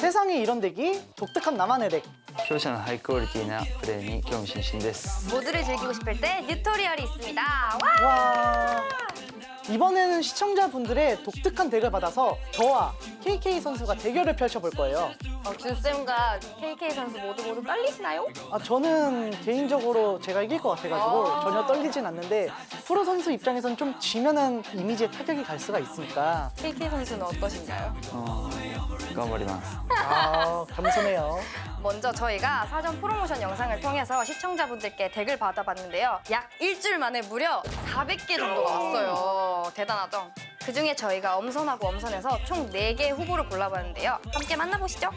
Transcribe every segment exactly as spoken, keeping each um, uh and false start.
세상에 이런 덱이 독특한 나만의 덱. 勝者のハイクオリティなプレーに興味津々です 모두를 즐기고 싶을 때 뉴토리얼이 있습니다. 와! 와. 이번에는 시청자분들의 독특한 덱을 받아서 저와 케이케이 선수가 대결을 펼쳐볼 거예요. 어, 준쌤과 케이케이 선수 모두 모두 떨리시나요? 아, 저는 개인적으로 제가 이길 것 같아가지고 아. 전혀 떨리진 않는데 프로 선수 입장에선 좀 지면은 이미지에 타격이 갈 수가 있으니까 케이케이 선수는 어떠신가요? あー頑張ります 아, 겸손해요. 먼저 저희가 사전 프로모션 영상을 통해서 시청자분들께 덱을 받아봤는데요. 약 일주일 만에 무려 사백 개 정도가 왔어요. 대단하죠? 그중에 저희가 엄선하고 엄선해서 총 네 개의 후보를 골라봤는데요. 함께 만나보시죠.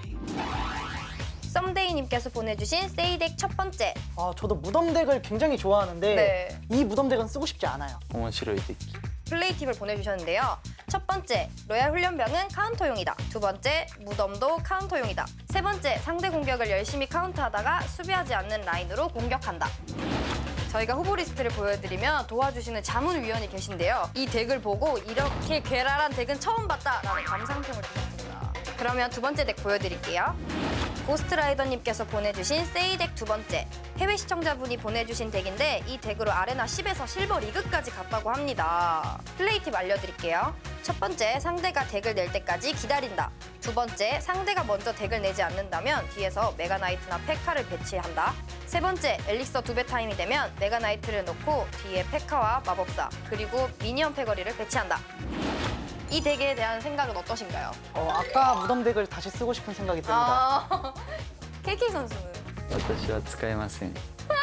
썸데이님께서 보내주신 세이덱 첫 번째. 아, 저도 무덤 덱을 굉장히 좋아하는데 네. 이 무덤 덱은 쓰고 싶지 않아요. 面白い敵 플레이 팁을 보내주셨는데요. 첫 번째, 로얄 훈련병은 카운터용이다. 두 번째, 무덤도 카운터용이다. 세 번째, 상대 공격을 열심히 카운터하다가 수비하지 않는 라인으로 공격한다. 저희가 후보 리스트를 보여드리면 도와주시는 자문위원이 계신데요. 이 덱을 보고 이렇게 괴랄한 덱은 처음 봤다라는 감상평을 주셨습니다. 그러면 두 번째 덱 보여드릴게요. 고스트라이더님께서 보내주신 세이덱 두 번째. 해외 시청자분이 보내주신 덱인데 이 덱으로 아레나 십에서 실버 리그까지 갔다고 합니다. 플레이 팁 알려드릴게요. 첫 번째, 상대가 덱을 낼 때까지 기다린다. 두 번째, 상대가 먼저 덱을 내지 않는다면 뒤에서 메가나이트나 페카를 배치한다. 세 번째, 엘릭서 두 배 타임이 되면 메가나이트를 넣고 뒤에 페카와 마법사 그리고 미니언 패거리를 배치한다. 이 덱에 대한 생각은 어떠신가요? 어, 아까 무덤 덱을 다시 쓰고 싶은 생각이 듭니다. 아, 케이케이 선수는? 私は使えません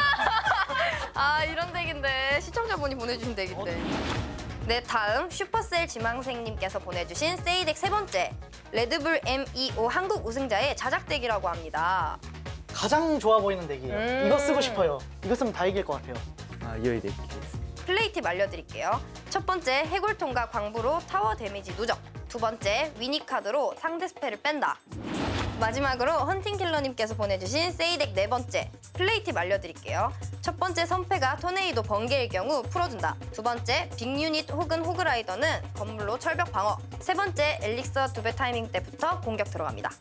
아, 이런 덱인데 시청자분이 보내주신 덱인데. 네, 다음 슈퍼셀 지망생님께서 보내주신 세이덱 세 번째. 레드불 엠이오 한국 우승자의 자작덱이라고 합니다. 가장 좋아 보이는 덱이에요. 음. 이거 쓰고 싶어요. 이거 쓰면 다 이길 것 같아요. あ良いデッキです 플레이 팁 알려드릴게요. 첫 번째, 해골통과 광부로 타워 데미지 누적. 두 번째, 위니카드로 상대 스펠을 뺀다. 마지막으로 헌팅킬러님께서 보내주신 세이덱 네 번째. 플레이 팁 알려드릴게요. 첫 번째, 선패가 토네이도 번개일 경우 풀어준다. 두 번째, 빅유닛 혹은 호그라이더는 건물로 철벽 방어. 세 번째, 엘릭서 두 배 타이밍 때부터 공격 들어갑니다.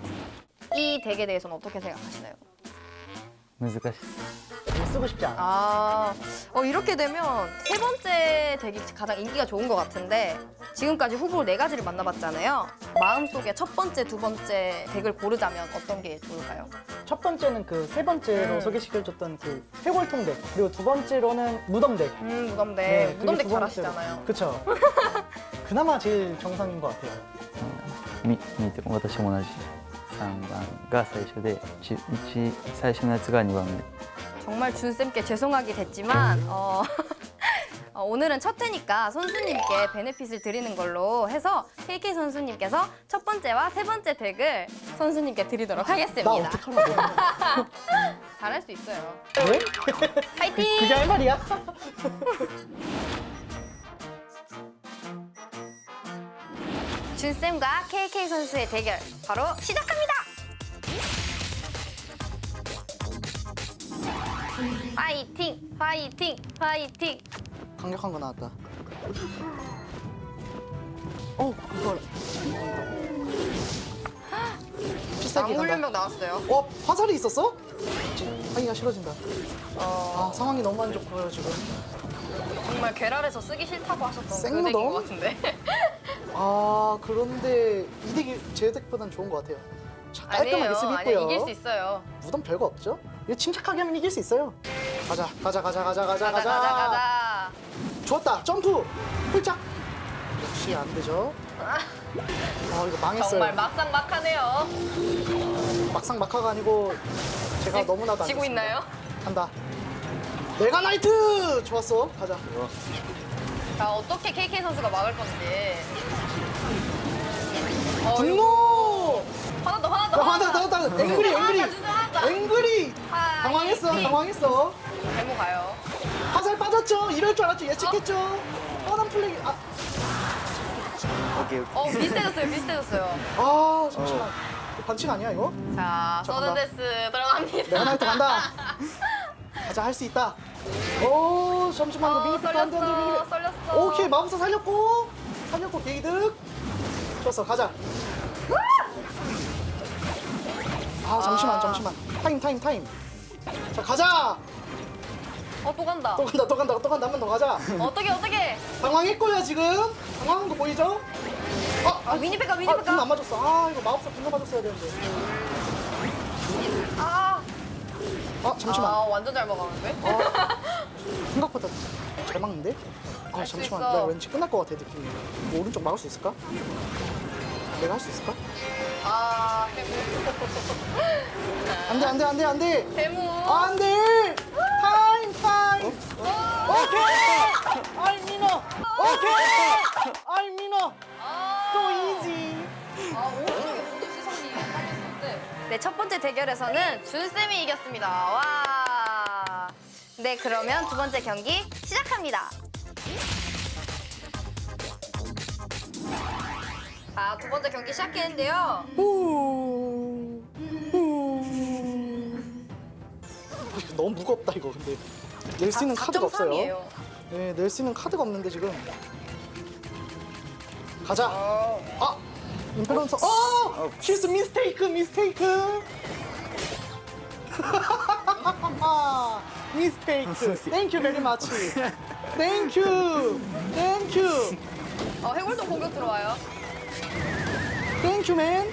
이 덱에 대해서는 어떻게 생각하시나요? 難しいです 이거 쓰고 싶지 않아. 아, 어, 이렇게 되면 세 번째 덱이 가장 인기가 좋은 것 같은데 지금까지 후보 네 가지를 만나봤잖아요. 마음속에 첫 번째, 두 번째 덱을 고르자면 어떤 게 좋을까요? 첫 번째는 그 세 번째로 음. 소개시켜줬던 그 해골통 덱. 그리고 두 번째로는 무덤 덱. 음, 무덤덱. 네, 그게 무덤덱 두 번째로. 잘하시잖아요. 그쵸. 그나마 제일 정상인 것 같아요. み見て私も同じさんばんが最初でいちいち最初のやつがにばんめ 정말 준쌤께 죄송하게 됐지만 어, 어, 오늘은 첫 회니까 선수님께 베네핏을 드리는 걸로 해서 케이케이 선수님께서 첫 번째와 세 번째 덱을 선수님께 드리도록 하겠습니다. 나 어떡하라고. 잘할 수 있어요. 왜? 파이팅! 그게 할 말이야? 준쌤과 케이케이 선수의 대결 바로 시작합니다. 파이팅! 파이팅! 파이팅! 강력한 거 나왔다. 어, 이걸. 비싸게 간다. 낭훈련병 나왔어요. 어, 화살이 있었어? 이제 하기가 싫어진다. 어, 아, 상황이 너무 안 좋고요, 지금. 정말 괴랄해서 쓰기 싫다고 하셨던 그 생무덤? 덱인 것 같은데. 아, 그런데 이 덱이 제 덱보단 좋은 것 같아요. 자, 깔끔하게 아니에요. 쓰기 아니 있고요. 이길 수 있어요. 무덤 별거 없죠? 이거 침착하게 하면 이길 수 있어요. 가자, 가자, 가자, 가자, 가자, 가자 가자 가자. 좋았다, 점프! 훌짝! 역시 안 되죠. 아, 이거 망했어요. 정말 막상막하네요. 막상 막하가 아니고 제가 지- 너무나도 안 지고 좋습니다. 있나요? 간다. 메가나이트! 좋았어. 가자. 자, 어떻게 케이케이 선수가 막을 건지. 어, 분노! 하나 더 하나 더 야, 하나 더, 하나 더. 앵그리, 앵그리! 하나 앵그리! 하- 당황했어, 이- 당황했어. 데모 가요. 화살 빠졌죠? 이럴 줄 알았죠? 예측했죠? 뻔한 플레이. 아, オッケーオッケー 어 비슷해졌어요 비슷해졌어요. 아 잠시만. 이거 반칙 아니야, 이거? 자 자, 서든데스 들어갑니다. 메가나이트 간다. 가자, 할 수 있다. 오, 잠시만. 이거 어, 미니피트 안 돼, 안 돼, 썰렸어 미니피트. 썰렸어. 오케이, 마법사 살렸고. 살렸고, 게이득. 좋았어, 가자. 아 잠시만 아. 잠시만. 타임 타임 타임. 자 가자. 어, 또 간다. 또 간다 또 간다 또 간다 한 번 더 가자. 어떻게, 어떻게? 당황했고요 지금. 당황한 거 보이죠? 아, 아, 미니백가, 아, 미니백가. 궁 안 맞았어. 아 이거 마법사 궁 맞았어야 되는데. 아, 아 잠시만. 아, 완전 잘 먹었는데? 아, 생각보다 잘 막는데? 아 할수 잠시만 있어. 나 왠지 끝날 것 같아 느낌이. 뭐 오른쪽 막을 수 있을까? 내가 할 수 있을까? 아, 해무. 안돼 안돼 안돼 안돼 해무. 안돼 타임 타임 오케이 아이 민어 오케이 아이 민어 so easy. 아, 오른쪽에 모두 시선이 빨렸었는데. 네, 첫 번째 대결에서는 준쌤이 이겼습니다. 와. 네, 그러면 두 번째 경기 시작합니다. 자, 두 번째 경기 시작했는데요. 후. 후. 아, 이거 너무 무겁다 이거 근데 낼 수 있는 카드가 없어요. 사점삼이에요. 네, 낼 수 있는 카드가 없는데 지금. 가자. 어. 아, 임페런서. 어, 실수 미스테이크 미스테이크. 미스테이크. 땡큐 베리 마치. 땡큐. 땡큐. 어, 해골도 공격 들어와요. 땡큐 맨.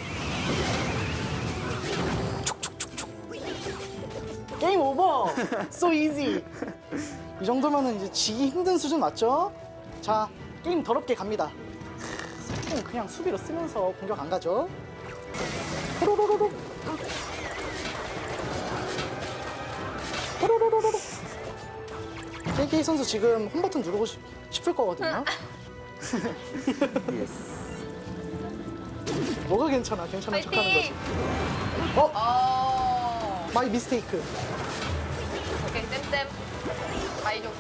게임 오버. So easy. 이 정도면은 이제 지기 힘든 수준 맞죠? 자, 게임 더럽게 갑니다. 속공 그냥 수비로 쓰면서 공격 안 가죠? 호로로로로. 호로로로로. 케이케이 선수 지금 홈 버튼 누르고 싶- 싶을 거거든요. 예스. 뭐가 괜찮아? 괜찮은 척하는 거지. 파이팅! 어, 어. 마이 미스테이크. 오케이, 쌤쌤. 마이조구.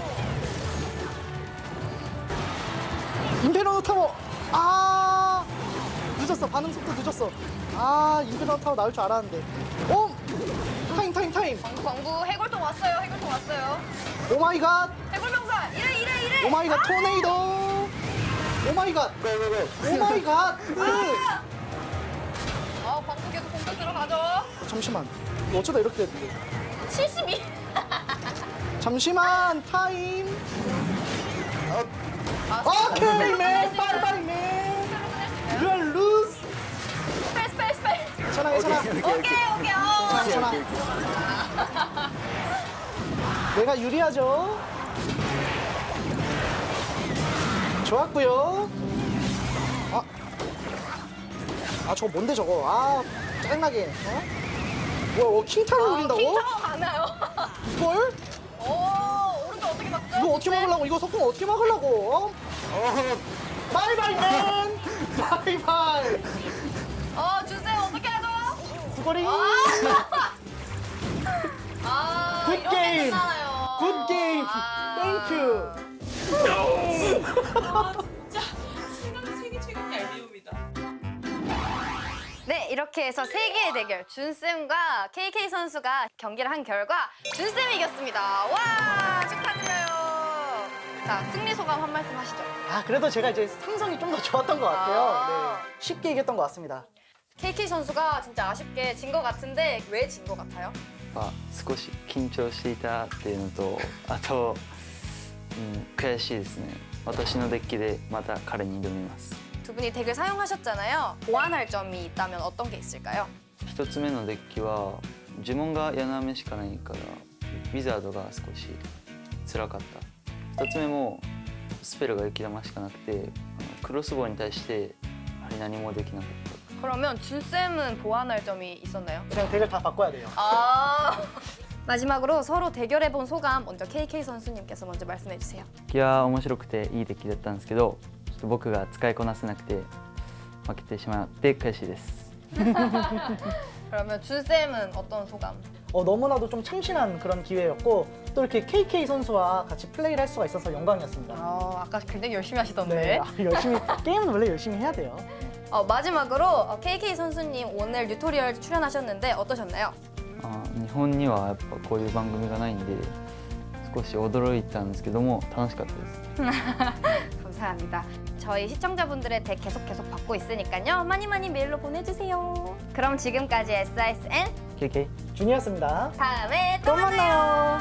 임페러 타워. 아, 늦었어. 반응 속도 늦었어. 아, 임페러 타워 나올 줄 알았는데. 오, 타임 타임 타임. 광구, 광구. 해골통 왔어요. 해골통 왔어요. 오 마이 갓. 해골병사. 이래, 이래, 이래. 오 마이 갓 토네이도. 오 마이 갓. 오 마이 갓. 아! 어, 광구 계속 공격 들어가죠. 잠시만. 이거 어쩌다 이렇게 됐는데. 칠십이. 잠시만 타임. 아, 오케이 맨. 바이바이 맨. You are lose. 스펠, 스펠, 스펠. 괜찮아 괜찮아. 오케이, 오케이. 어. 괜찮아. 내가 유리하죠. 좋았고요. 아, 아 저거 뭔데 저거? 아 짜증나게. 어? 뭐야, 어, 킹타를 아, 노린다고? 킹타워 가나요? 이걸? 오, 오른쪽 어떻게 막죠? 이거 어떻게 막으려고? 이거 석공 어떻게 막으려고? 어? 바이바이 맨. 바이바이. 어, 주세요. 어떻게 하죠? 구거리. 아, 굿 이렇게 게임. 끝나나요? 굿 게임. 아. 땡큐. 세상 세계 최강의 알비움이다. 네, 이렇게 해서 세 개의 대결 준쌤과 케이케이 선수가 경기를 한 결과 준쌤이 이겼습니다. 와, 축하드려요. 자, 승리 소감 한 말씀 하시죠. 아 그래도 제가 이제 상성이 좀 더 좋았던 것 같아요. 아. 네, 쉽게 이겼던 것 같습니다. 케이케이 선수가 진짜 아쉽게 진 것 같은데 왜 진 것 같아요? まあ少し緊張していたっていうのと、あと、うん、悔しいですね。私のデッキでまた彼に挑みます。 두 분이 덱을 사용하셨잖아요. 보완할 점이 있다면 어떤 게 있을까요? 一つ目のデッキは呪文が柳雨しかないからウィザードが少し辛かった。二つ目もスペルが雪玉しかなくて、あのクロスボウに対してやはり何もできなかった。 그러면 준쌤은 보완할 점이 있었나요? 그냥 덱을 다 바꿔야 돼요. 아. 마지막으로 서로 대결해본 소감 먼저 케이케이 선수님께서 먼저 말씀해 주세요. いやー面白くていいデッキだったんですけど、ちょっと僕が使いこなせなくて負けてしまって悔しいです。 그러면 준쌤은 어떤 소감? 어, 너무나도 좀 참신한 그런 기회였고 또 이렇게 케이케이 선수와 같이 플레이를 할 수가 있어서 영광이었습니다. 어, 아까 굉장히 열심히 하시던데. 네, 아, 열심히 게임은 원래 열심히 해야 돼요. 어, 마지막으로 어, 케이케이 선수님 오늘 뉴토리얼 출연하셨는데 어떠셨나요? あー日本にはやっぱこういう番組がないんで少し驚いたんですけども楽しかったです。 감사합니다. 저희 시청자분들의 덱 계속 계속 받고 있으니까요. 많이 많이 메일로 보내주세요. 그럼 지금까지 에스아이에스엔 케이케이 준이었습니다. 다음에 또 또 만나요. 만나요.